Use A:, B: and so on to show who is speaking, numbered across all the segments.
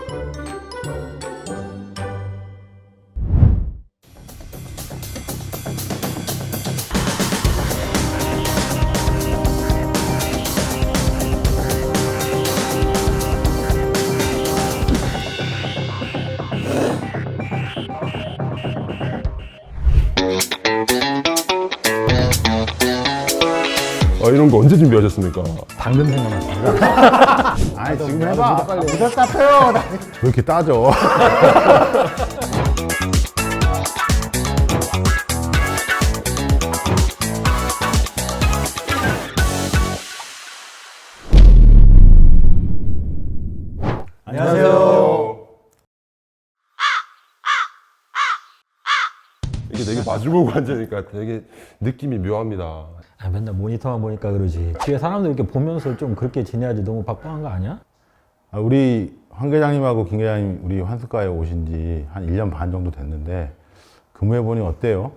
A: 이런 거 언제 준비하셨습니까?
B: 방금 생각났습니다.
C: 아니 지금 해봐. 빨리. 답답해요. 왜 이렇게 따져?
B: 안녕하세요.
A: 이게 되게 마주보고 앉으니까 되게 느낌이 묘합니다.
B: 맨날 모니터만 보니까 그러지. 뒤에 사람들 이렇게 보면서 좀 그렇게 지내야지. 너무 바빠한 거 아니야?
C: 우리 황 계장님하고 김 계장님 우리 환수과에 오신 지 한 1년 반 정도 됐는데 근무해보니 어때요?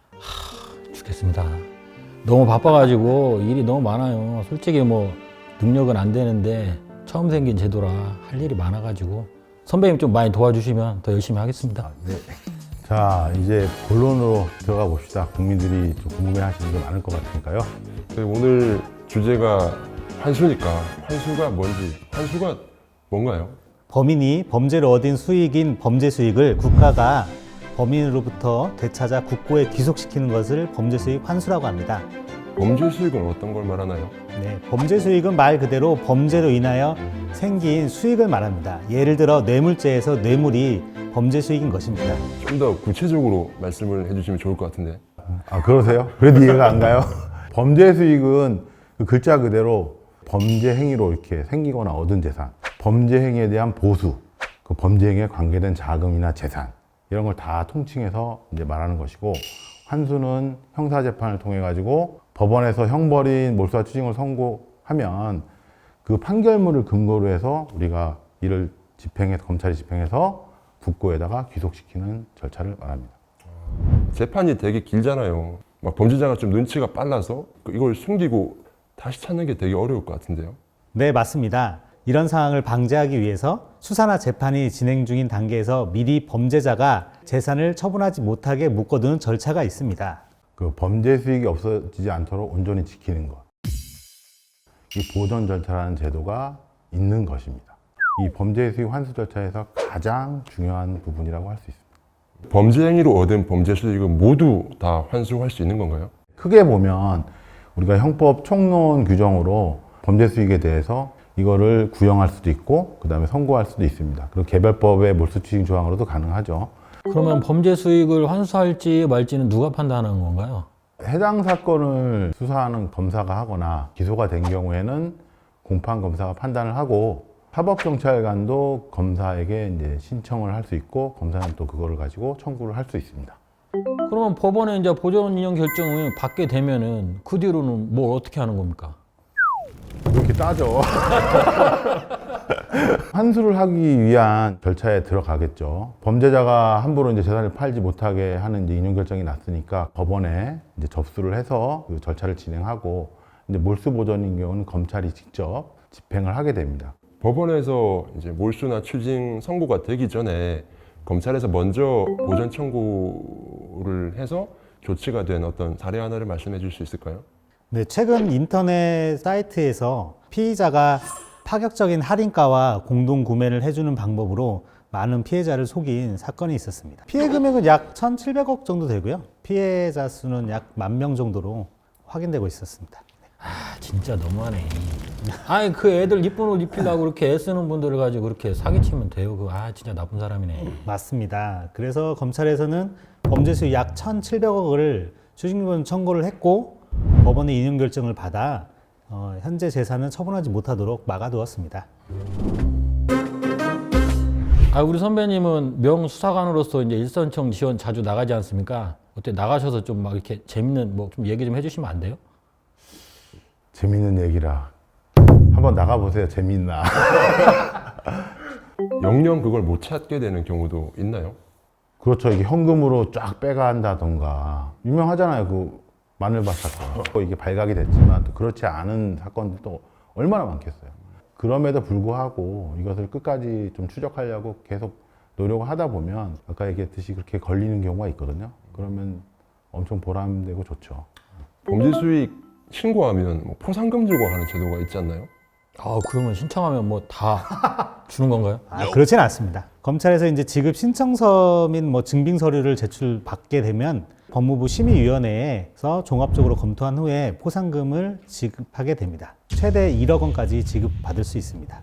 B: 죽겠습니다. 너무 바빠가지고 일이 너무 많아요. 솔직히 뭐 능력은 안 되는데 처음 생긴 제도라 할 일이 많아가지고 선배님 좀 많이 도와주시면 더 열심히 하겠습니다.
C: 자, 이제 본론으로 들어가 봅시다. 국민들이 좀 궁금해하시는 게 많을 것 같으니까요.
A: 오늘 주제가 환수니까 환수가 뭔지, 환수가 뭔가요?
D: 범인이 범죄로 얻은 수익인 범죄 수익을 국가가 범인으로부터 되찾아 국고에 귀속시키는 것을 범죄 수익 환수라고 합니다.
A: 범죄 수익은 어떤 걸 말하나요?
D: 네, 범죄 수익은 말 그대로 범죄로 인하여 생긴 수익을 말합니다. 예를 들어 뇌물죄에서 뇌물이 범죄 수익인 것입니다.
A: 좀 더 구체적으로 말씀을 해주시면 좋을 것 같은데.
C: 아, 그러세요? 그래도 이해가 안 가요? 범죄 수익은 그 글자 그대로 범죄 행위로 이렇게 생기거나 얻은 재산, 범죄 행위에 대한 보수, 그 범죄 행위에 관계된 자금이나 재산, 이런 걸 다 통칭해서 이제 말하는 것이고, 환수는 형사재판을 통해 가지고 법원에서 형벌인 몰수와 추징을 선고하면 그 판결문을 근거로 해서 우리가 이를 집행해서, 검찰이 집행해서 국고에다가 귀속시키는 절차를 말합니다.
A: 재판이 되게 길잖아요. 막 범죄자가 좀 눈치가 빨라서 이걸 숨기고 다시 찾는 게 되게 어려울 것 같은데요.
D: 네, 맞습니다. 이런 상황을 방지하기 위해서 수사나 재판이 진행 중인 단계에서 미리 범죄자가 재산을 처분하지 못하게 묶어두는 절차가 있습니다.
C: 그 범죄 수익이 없어지지 않도록 온전히 지키는 것. 이 보전 절차라는 제도가 있는 것입니다. 이 범죄 수익 환수 절차에서 가장 중요한 부분이라고 할 수 있습니다.
A: 범죄 행위로 얻은 범죄 수익은 모두 다 환수할 수 있는 건가요?
C: 크게 보면 우리가 형법 총론 규정으로 범죄 수익에 대해서 이거를 구형할 수도 있고 그 다음에 선고할 수도 있습니다. 그리고 개별법의 몰수추징 조항으로도 가능하죠.
B: 그러면 범죄 수익을 환수할지 말지는 누가 판단하는 건가요?
C: 해당 사건을 수사하는 검사가 하거나 기소가 된 경우에는 공판검사가 판단을 하고 사법경찰관도 검사에게 이제 신청을 할 수 있고 검사는 또 그거를 가지고 청구를 할 수 있습니다.
B: 그러면 법원에 이제 보전 인용 결정을 받게 되면은 그 뒤로는 뭘 어떻게 하는 겁니까?
C: 이렇게 따져. 환수를 하기 위한 절차에 들어가겠죠. 범죄자가 함부로 이제 재산을 팔지 못하게 하는 이제 인용 결정이 났으니까 법원에 이제 접수를 해서 그 절차를 진행하고 이제 몰수 보전인 경우는 검찰이 직접 집행을 하게 됩니다.
A: 법원에서 이제 몰수나 추징 선고가 되기 전에 검찰에서 먼저 보전 청구를 해서 조치가 된 어떤 사례 하나를 말씀해 줄 수 있을까요?
D: 네, 최근 인터넷 사이트에서 피의자가 파격적인 할인가와 공동 구매를 해주는 방법으로 많은 피해자를 속인 사건이 있었습니다. 피해 금액은 약 1,700억 정도 되고요. 피해자 수는 약 10,000명 정도로 확인되고 있었습니다.
B: 진짜 너무하네. 아니 그 애들 이쁜 옷 입히려고 그렇게 애쓰는 분들을 가지고 그렇게 사기치면 돼요. 진짜 나쁜 사람이네.
D: 맞습니다. 그래서 검찰에서는 범죄 수익 약 1,700억을 추징금 청구를 했고 법원의 인용 결정을 받아 현재 재산은 처분하지 못하도록 막아두었습니다.
B: 우리 선배님은 명수사관으로서 이제 일선청 지원 자주 나가지 않습니까? 어때 나가셔서 좀 막 이렇게 재밌는 뭐 좀 얘기 좀 해주시면 안 돼요?
C: 재밌는 얘기라. 한번 나가보세요. 재밌나.
A: 영영 그걸 못 찾게 되는 경우도 있나요?
C: 그렇죠. 이게 현금으로 쫙 빼간다던가. 유명하잖아요. 그 마늘밭 사건. 이게 발각이 됐지만 또 그렇지 않은 사건들도 얼마나 많겠어요. 그럼에도 불구하고 이것을 끝까지 좀 추적하려고 계속 노력을 하다 보면 아까 얘기했듯이 그렇게 걸리는 경우가 있거든요. 그러면 엄청 보람되고 좋죠.
A: 범죄 수익 신고하면 뭐 포상금 주고 하는 제도가 있지 않나요?
B: 아, 그러면 신청하면 뭐 다 주는 건가요?
D: 그렇지는 않습니다. 검찰에서 이제 지급 신청서 및 뭐 증빙 서류를 제출받게 되면 법무부 심의위원회에서 종합적으로 검토한 후에 포상금을 지급하게 됩니다. 최대 1억 원까지 지급받을 수 있습니다.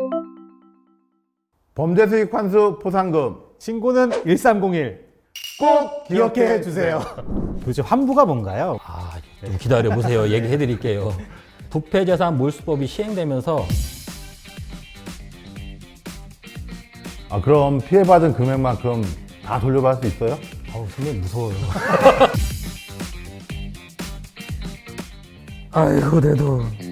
C: 범죄 수익 환수 포상금
D: 신고는 1301. 꼭 기억해 주세요. 도대체 환부가 뭔가요?
B: 아, 좀 기다려 보세요. 얘기해 드릴게요. 부패재산 몰수법이 시행되면서
C: 그럼 피해받은 금액만큼 다 돌려받을 수 있어요?
B: 아우, 선배님 무서워요. 아이고, 내 돈.